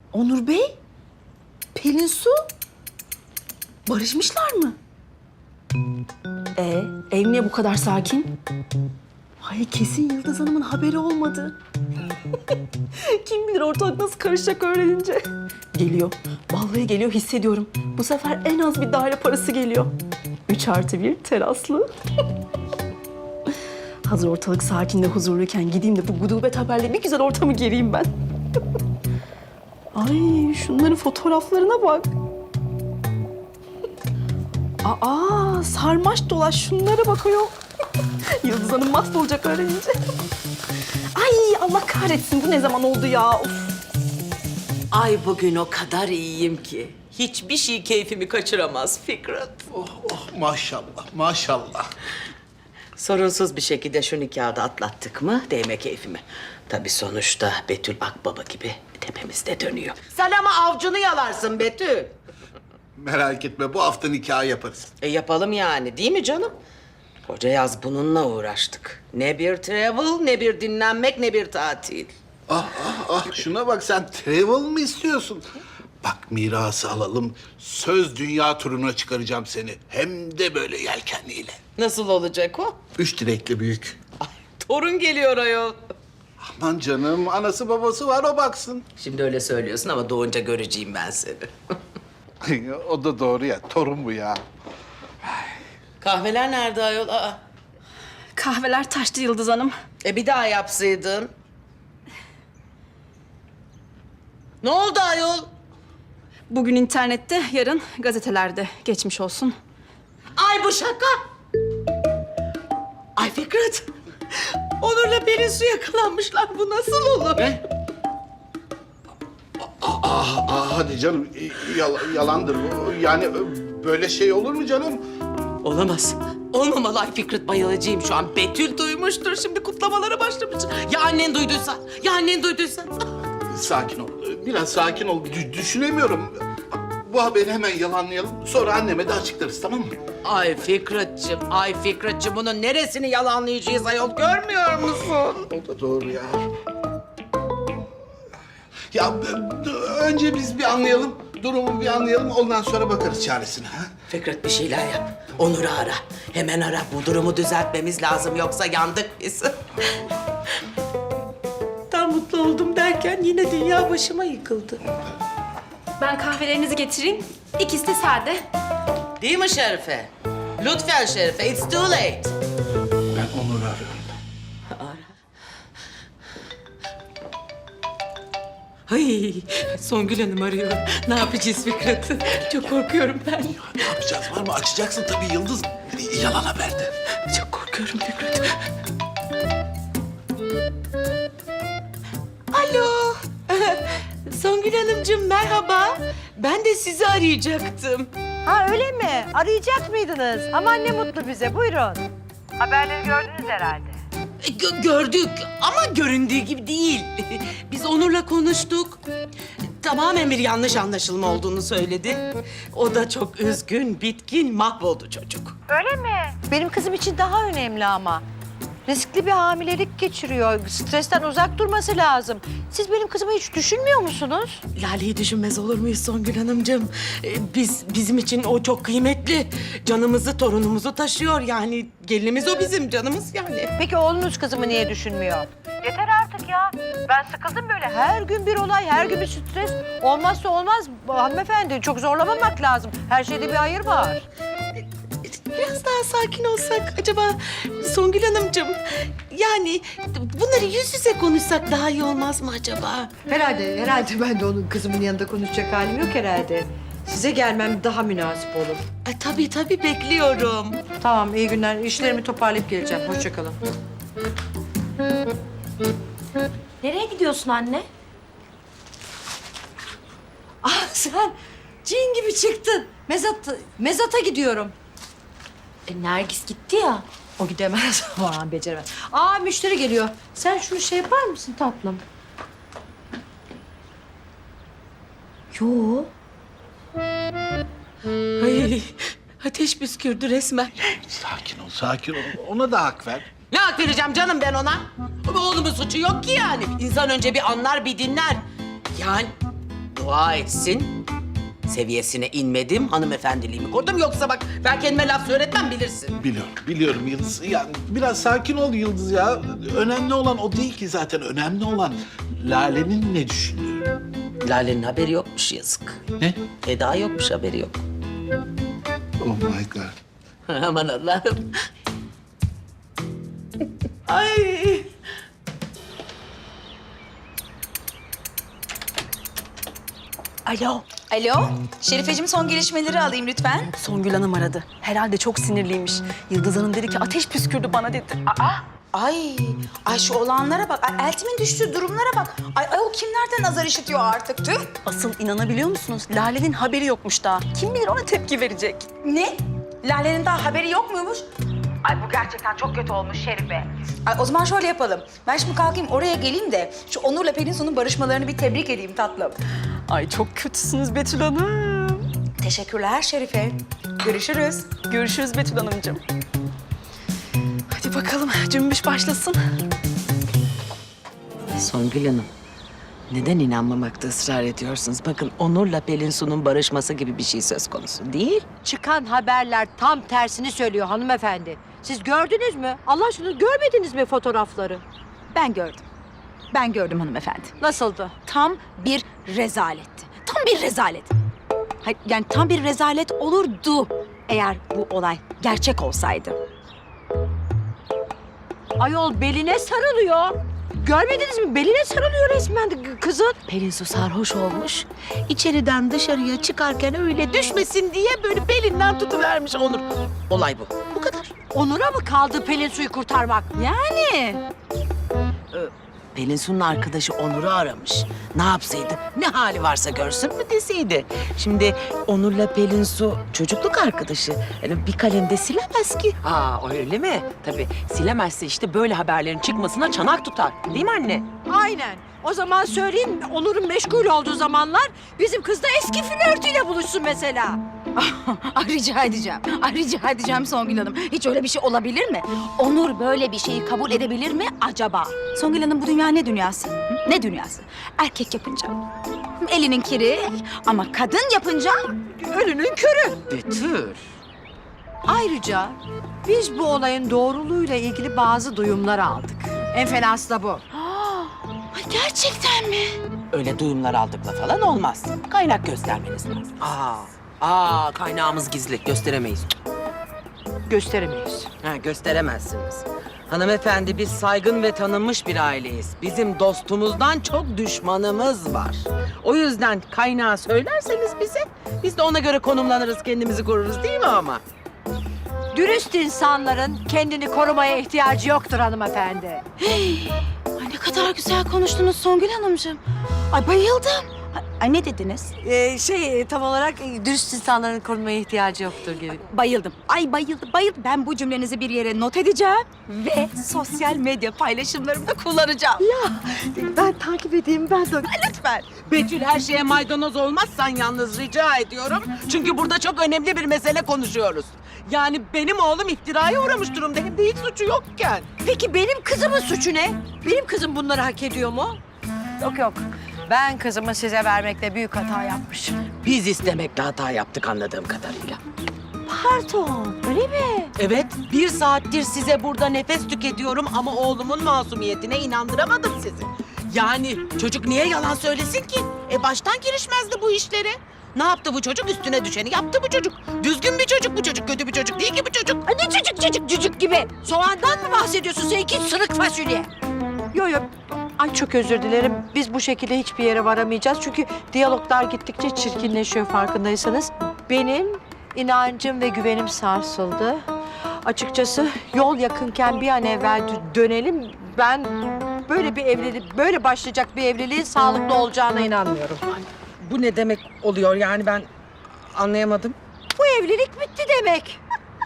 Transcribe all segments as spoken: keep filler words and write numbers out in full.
Onur Bey, Pelin Su barışmışlar mı? Ee, ev niye bu kadar sakin? Ay kesin Yıldız Hanım'ın haberi olmadı. Kim bilir ortalık nasıl karışacak öğrenince. Geliyor. Vallahi geliyor, hissediyorum. Bu sefer en az bir daire parası geliyor. Üç artı bir teraslı. Hazır ortalık sakin de huzurluyken gideyim de bu gudubet haberle bir güzel ortamı gereyim ben. Ay şunların fotoğraflarına bak. Aa sarmaş dolaş şunlara bakıyor. Yıldız Hanım mahvolacak öğrenince. Ay Allah kahretsin, bu ne zaman oldu ya? Of. Ay bugün o kadar iyiyim ki. Hiçbir şey keyfimi kaçıramaz Fikret. Oh oh maşallah maşallah. Sorunsuz bir şekilde şu nikahı da atlattık mı değme keyfime. Tabii sonuçta Betül Akbaba gibi tepemizde dönüyor. Sen ama avcunu yalarsın Betül. Merak etme bu hafta nikah yaparız. E yapalım yani değil mi canım? Koca yaz bununla uğraştık. Ne bir travel, ne bir dinlenmek, ne bir tatil. Ah ah ah şuna bak sen travel mı istiyorsun? Bak mirası alalım söz dünya turuna çıkaracağım seni. Hem de böyle yelkenliyle. Nasıl olacak o? Üç dilekli büyük. Ay, torun geliyor ayol. Aman canım anası babası var o baksın. Şimdi öyle söylüyorsun ama doğunca göreceğim ben seni. O da doğru ya torun bu ya. Kahveler nerede ayol? Aa. Kahveler taştı Yıldız Hanım. E bir daha yapsaydın. Ne oldu ayol? Bugün internette, yarın gazetelerde. Geçmiş olsun. Ay bu şaka. Ay Fikret. Onur'la Pelin Su yakalanmışlar. Bu nasıl olur? Ne? Aa, aa, hadi canım yal- yalandır bu. Yani böyle şey olur mu canım? Olamaz. Olmamalı ay Fikret, bayılacağım şu an. Betül duymuştur, şimdi kutlamalara başlamış. Ya annen duyduysa, ya annen duyduysa. Sakin ol. Biraz sakin ol. Dü- düşünemiyorum. Bu haberi hemen yalanlayalım. Sonra anneme de açıklarız tamam mı? Ay Fikret'ciğim, ay Fikret'ciğim bunun neresini yalanlayacağız ayol, görmüyor musun? O da doğru ya. Ya b- önce biz bir anlayalım. Durumu bir anlayalım. Ondan sonra bakarız çaresine. Ha? Fikret bir şeyler yap. Onur'u ara. Hemen ara. Bu durumu düzeltmemiz lazım. Yoksa yandık biz. Tam mutlu oldum derken yine dünya başıma yıkıldı. Ben kahvelerinizi getireyim. İkisi de sade. Değil mi Şerife? Lütfen Şerife. It's too late. Ben Onur'u arıyorum. Ay, Songül Hanım arıyor. Ne yapacağız Fikret? Çok korkuyorum ben. Ne yapacağız? Var mı? Açacaksın tabii Yıldız. Yalan haberde. Çok korkuyorum Fikret. Alo. Songül Hanımcığım merhaba. Ben de sizi arayacaktım. Ha öyle mi? Arayacak mıydınız? Aman ne mutlu bize. Buyurun. Haberleri gördünüz herhalde. Gö- gördük ama göründüğü gibi değil. Biz Onur'la konuştuk. Tamamen bir yanlış anlaşılma olduğunu söyledi. O da çok üzgün, bitkin, mahvoldu çocuk. Öyle mi? Benim kızım için daha önemli ama. Riskli bir hamilelik geçiriyor. Stresten uzak durması lazım. Siz benim kızımı hiç düşünmüyor musunuz? Lale'yi düşünmez olur muyuz Songül Hanımcığım? Ee, Biz, bizim için o çok kıymetli. Canımızı, torunumuzu taşıyor yani. Gelinimiz o bizim, canımız yani. Peki oğlunuz kızımı niye düşünmüyor? Yeter artık ya. Ben sıkıldım böyle. Her gün bir olay, her gün bir stres. Olmazsa olmaz hanımefendi. Çok zorlamamak lazım. Her şeyde bir hayır var. Biraz daha sakin olsak acaba Songül Hanımcığım? Yani bunları yüz yüze konuşsak daha iyi olmaz mı acaba? Herhalde, herhalde ben de onun kızımın yanında konuşacak halim yok herhalde. Size gelmem daha münasip olur. Ay, tabii tabii bekliyorum. Tamam, iyi günler. İşlerimi toparlayıp geleceğim. Hoşça kalın. Nereye gidiyorsun anne? Ah sen cin gibi çıktın. Mezat, mezata gidiyorum. E, Nergis gitti ya. O gidemez. Aman beceremez. Aa müşteri geliyor. Sen şunu şey yapar mısın tatlım? Yo. Ay, ateş püskürdü resmen. Sakin ol, sakin ol. Ona da hak ver. Ne hak vereceğim canım ben ona? Oğlumun suçu yok ki yani. İnsan önce bir anlar, bir dinler. Yani dua etsin. Seviyesine inmedim, hanımefendiliğimi korudum. Yoksa bak ben kendime laf söyletmem bilirsin. Biliyorum, biliyorum Yıldız. Yani biraz sakin ol Yıldız ya. Önemli olan o değil ki zaten. Önemli olan Lale'nin ne düşündüğü. Lale'nin haberi yokmuş yazık. Ne? Eda yokmuş, haberi yok. Oh my God. Aman Allah'ım. Ay. Alo. Alo, Şerifeciğim son gelişmeleri alayım lütfen. Songül Hanım aradı. Herhalde çok sinirliymiş. Yıldız Hanım dedi ki ateş püskürdü bana dedi. Ay, ay şu olanlara bak, ay Eltim'in düştüğü durumlara bak. Ay, ay o kimlerden azar işitiyor artık tüh. Asıl inanabiliyor musunuz? Lale'nin haberi yokmuş daha. Kim bilir ona tepki verecek. Ne? Lale'nin daha haberi yok muymuş? Ay bu gerçekten çok kötü olmuş Şerife. Ay o zaman şöyle yapalım. Ben şimdi kalkayım oraya geleyim de şu Onur'la Pelinsu'nun barışmalarını bir tebrik edeyim tatlım. Ay çok kötüsünüz Betül Hanım. Teşekkürler Şerife. Görüşürüz. Görüşürüz Betül Hanımcığım. Hadi bakalım cümbüş başlasın. Songül Hanım, neden inanmamakta ısrar ediyorsunuz? Bakın Onur'la Pelinsu'nun barışması gibi bir şey söz konusu değil. Çıkan haberler tam tersini söylüyor hanımefendi. Siz gördünüz mü? Allah aşkına görmediniz mi fotoğrafları? Ben gördüm. Ben gördüm hanımefendi. Nasıldı? Tam bir rezaletti. Tam bir rezalet. Hayır, yani tam bir rezalet olurdu eğer bu olay gerçek olsaydı. Ayol beline sarılıyor. Görmediniz mi? Beline sarılıyor resmen de kızın. Pelinsu sarhoş olmuş. İçeriden dışarıya çıkarken öyle düşmesin diye böyle belinden tutuvermiş Onur. Olay bu. Bu kadar. Onur'a mı kaldı Pelin suyu kurtarmak? Yani Pelinsu'nun arkadaşı Onur'u aramış. Ne yapsaydı? Ne hali varsa görsün mü deseydi. Şimdi Onur'la Pelinsu çocukluk arkadaşı. Yani bir kalemde silemez ki. Aa öyle mi? Tabii silemezse işte böyle haberlerin çıkmasına çanak tutar. Değil mi anne? Aynen. O zaman söyleyeyim Onur'un meşgul olduğu zamanlar bizim kız da eski flörtüyle buluşsun mesela. Ay, rica edeceğim. Ay, rica edeceğim Songül Hanım. Hiç öyle bir şey olabilir mi? Onur böyle bir şeyi kabul edebilir mi acaba? Songül Hanım bu dünya ne dünyası? Hı? Ne dünyası? Erkek yapınca elinin kiri ama kadın yapınca Ölünün körü. Betül. Ayrıca biz bu olayın doğruluğuyla ilgili bazı duyumlar aldık. En fenası da bu. Ay, gerçekten mi? Öyle duyumlar aldıkla falan olmaz. Kaynak göstermeniz lazım. Aa, aa kaynağımız gizli gösteremeyiz. Gösteremeyiz. Ha, gösteremezsiniz. Hanımefendi biz saygın ve tanınmış bir aileyiz. Bizim dostumuzdan çok düşmanımız var. O yüzden kaynağı söylerseniz bize biz de ona göre konumlanırız, kendimizi koruruz değil mi ama? Dürüst insanların kendini korumaya ihtiyacı yoktur hanımefendi. Ay ne kadar güzel konuştunuz Songül Hanımcığım. Ay bayıldım. Ay, ay ne dediniz? Ee, şey tam olarak e, dürüst insanların korumaya ihtiyacı yoktur gibi. Bayıldım. Ay bayıldım, bayıldım. Ben bu cümlenizi bir yere not edeceğim ve sosyal medya paylaşımlarımda kullanacağım. Ben takip edeyim ben de. Lütfen. Betül her şeye maydanoz olmazsan yalnız rica ediyorum. Çünkü burada çok önemli bir mesele konuşuyoruz. Yani benim oğlum iftiraya uğramış durumda. Hem de hiç suçu yokken. Peki benim kızımın suçu ne? Benim kızım bunları hak ediyor mu? Yok yok. Ben kızımı size vermekte büyük hata yapmışım. Biz istemekle hata yaptık anladığım kadarıyla. Pardon, öyle mi? Evet, bir saattir size burada nefes tüketiyorum ama oğlumun masumiyetine inandıramadım sizi. Yani çocuk niye yalan söylesin ki? E baştan girişmezdi bu işlere. Ne yaptı bu çocuk? Üstüne düşeni yaptı bu çocuk. Düzgün bir çocuk bu çocuk, kötü bir çocuk değil ki bu çocuk. Ay ne cücük cücük cücük gibi. Soğandan mı bahsediyorsun sen iki sırık fasulye? Yok yok. Ay çok özür dilerim. Biz bu şekilde hiçbir yere varamayacağız. Çünkü diyaloglar gittikçe çirkinleşiyor farkındaysanız. Benim inancım ve güvenim sarsıldı. Açıkçası yol yakınken bir an evvel dö- dönelim. Ben böyle bir evlilik, böyle başlayacak bir evliliğin sağlıklı olacağına inanmıyorum. Bu ne demek oluyor yani ben anlayamadım. Bu evlilik bitti demek.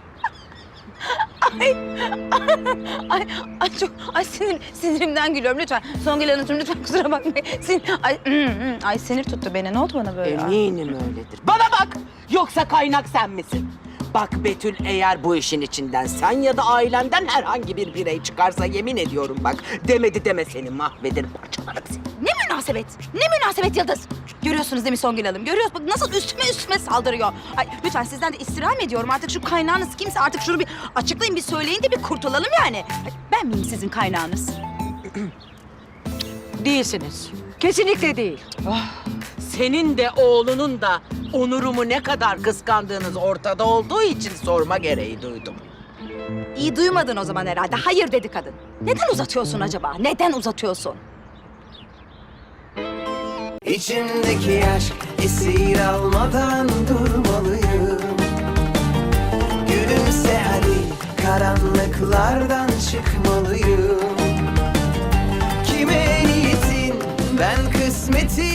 Ay, ay çok, ay sinir, sinirimden gülüyorum lütfen. Songül Hanımcığım lütfen kusura bakmayın. Sin, ay, mm, mm, ay sinir tuttu beni. Ne oldu bana böyle? Eminim öyledir. Bana bak! Yoksa kaynak sen misin? Bak Betül eğer bu işin içinden sen ya da ailenden herhangi bir birey çıkarsa yemin ediyorum bak. Demedi deme seni mahvederim parçalarım seni. Ne münasebet? Ne münasebet Yıldız? Görüyorsunuz değil mi Songül Hanım? Görüyoruz. Bak nasıl üstüme üstüme saldırıyor. Ay, lütfen sizden de istirham ediyorum. Artık şu kaynağınız kimse artık şunu bir açıklayın, bir söyleyin de bir kurtulalım yani. Ay, ben miyim sizin kaynağınız? Değilsiniz. Kesinlikle değil. Senin de oğlunun da Onur'umu ne kadar kıskandığınız ortada olduğu için sorma gereği duydum. İyi duymadın o zaman herhalde. Hayır dedi kadın. Neden uzatıyorsun acaba? Neden uzatıyorsun? İçimdeki aşk esir almadan durmalıyım. Gülümse hadi, karanlıklardan çıkmalıyım. Kime niyetin, ben kısmetin